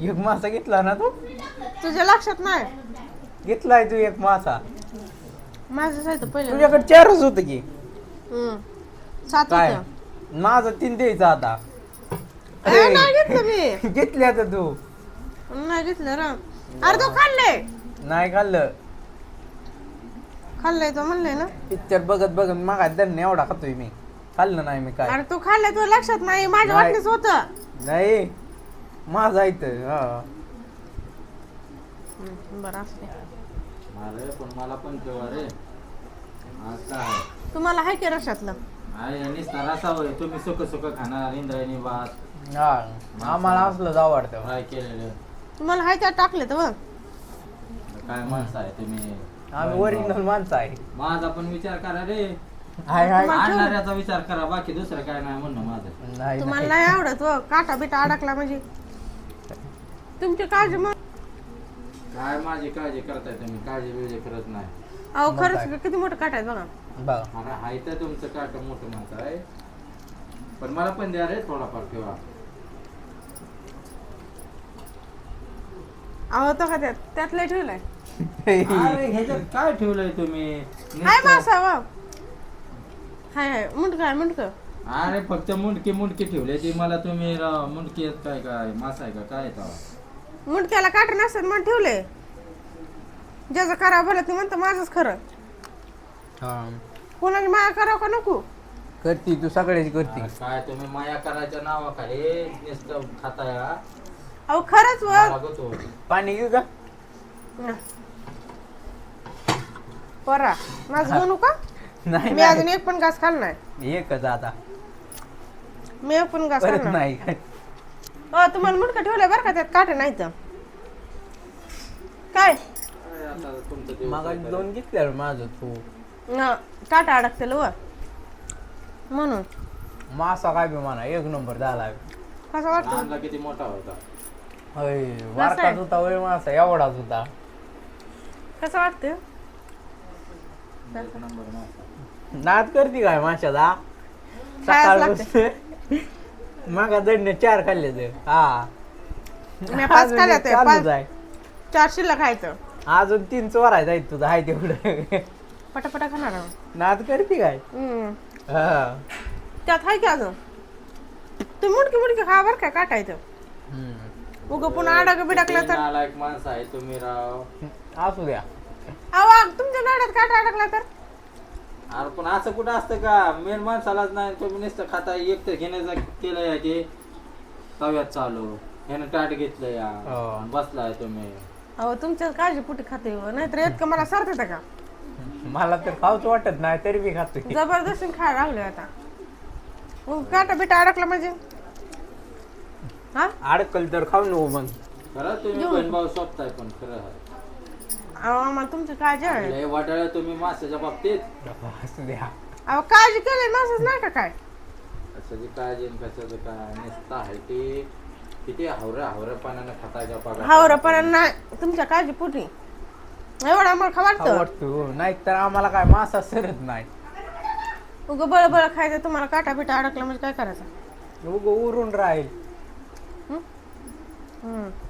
एक मासा घेतला ना तू? तुझ्या लक्षात नाही? घेतलाय तू एक मासा. माझं जायचं पहिलं. तुझ्याकडे 4च होत की. 7 काय होतं. माझं 3 द्यायचं आता. नाही घेतलं मी. घेतले आता तू. नाही घेतलं रा. अरे तो खाल्लंय. नाही खाल्लं. खाल्लंय तो म्हणलंय ना. पिक्चर बघत बघत मागा दण एवढा खातोय मी. खाल्लं नाही मी काय. अरे तू खाल्लंय तुला लक्षात नाही. माझ्या नाही. वाटणीच होतं. नाही माझा इथं हा. बरं असते. अरे पण मला पण ठेवा रे. आज काय तुम्हाला हाय की रशातलं? आहे नुसता रसा होय. तुम्ही सुक सुक खाणार इंद्रायणी भात हा आम्हाला असलंच आवडतं. फ्राय केलेलं. तुम्हाला हाय त्या टाकले तर काय माणसं आहे तुम्ही. आम्ही ओरिजिनल माणसं आहे. माझा पण विचार करा रे. हाय हाय. आणणाऱ्याचा विचार करा. बाकी दुसरं काय नाही म्हणणं माझं. नाही तुम्हाला नाही आवडत हो. काटा बिटा अडकला म्हणजे तुमची काळजी मग. काय माझी काळजी करताय तुम्ही. काळजी बिळजी करत नाही. अहो मग खरंच काय? किती मोठं काटा आहे बघा. बघा अरे हाय तर तुमचं काट मोठं म्हणत आहे. पण मला पण द्या रे थोडाफार ठेवा. अहो तो का त्यात लय ठेवलाय. अरे ह्याच्यात काय ठेवलंय तुम्ही. हाय नुसतं- मासा वा. हाय हाय मुंडक आहे मुंडक. अरे फक्त मुंडकी मुंडकी ठेवले ती मला तुम्ही मुंडकी आहेत काय काय मासा आहे का काय येतं. मुंडक्याला काटा नसतात म्हणून ठेवले. ज्याचं करावं भलं ते म्हणतं माझंच खरं. हा कोणाची माया करावं का नको. करती तू सगळ्याची करती. अरे काय तुम्ही माया करायच्या नावाखाली नुसतं खाताय हा? अहो खरंच मला व. गतो. पाणी घेऊ का? परा माझं बनू का? नाही मी अजून एक पण घास खाल्ला नाही. नाही. एकच आता मी एक पण घास परत खाल्ला नाही काय. हो तुम्हाला मुंडका ठेवलाय बरं का त्यात काटे नाही तर. काय अरे आता तुमचं दिवस मागा आहे का रे? 2 घेतल्या माझं तू. काटा अडकतेल व म्हणून. मासा काय बी म्हणा 1 नंबर झाला. कसं वाटतं? आणला किती मोठा होता. होय वारकाच होता होय मासा एवढाच होता. कसं वाटतं? एक नंबर मासा. नाद करती काय माशाचा? खायलाच सकाळ मागा दंड 4 खाल्ले ते. हा मी 5 खाल्ल्या ते. चालूच आहे. 4 शिल्लक खायचं. अजून 3 चोरायचं आहे तुझं आहे तेवढं. पटापटा खाणार आहोत. नाद करती काय? हा त्यात आहे की अजून. तुम्ही मुडकी मुडकी खा बरं काय काटा येतं. उगं पुन्हा अडक बिडकला तर. नालायक माणसं आहे तुम्ही राव. असू द्या. अहो तुमच्या नाड्यात काटा अडकला तर. अरे पण असं कुठं असतं का. मेन माणसालाच नाही तुम्ही नुसतं खाता. एक तर घेण्याचा केलंय की तव्यात चालू ह्यानं ताट घेतलं या हो. बसलाय तुम्ही. अहो तुमच्या काळजीपोटी खाते हो. नाहीतर इतकं मला सरत का. मला तर खाऊच वाटत नाही तरी मी खातोय. जबरदस्ती खायला लागले आता. मग काटा बिटा अडकला म्हणजे हा. अडकल तर खाऊ नको मग. खरं तुम्ही बहीण भाऊ स्वतः पण खरं आहे. अहो आम्हाला तुमची काळजी आहे. लय वाटाळा तुम्ही माशाच्या बाबतीत. असू द्या. अहो काळजी केली माणसाच नाही का काय. कशाची काळजी आणि कशाचं काय नुसतं आहे ते किती हावऱ्यापणानं खातायच्या पागा. हावरपणा नाही तुमच्या काळजीपोटी. एवढं आम्हाला वाटतं. आवडतो नाही तर आम्हाला काय मासा सरत नाही. उगं बळ बळ खायचं तुम्हाला काटा बिटा अडकला म्हणजे काय करायचं. उगं उरून राहील. हम्म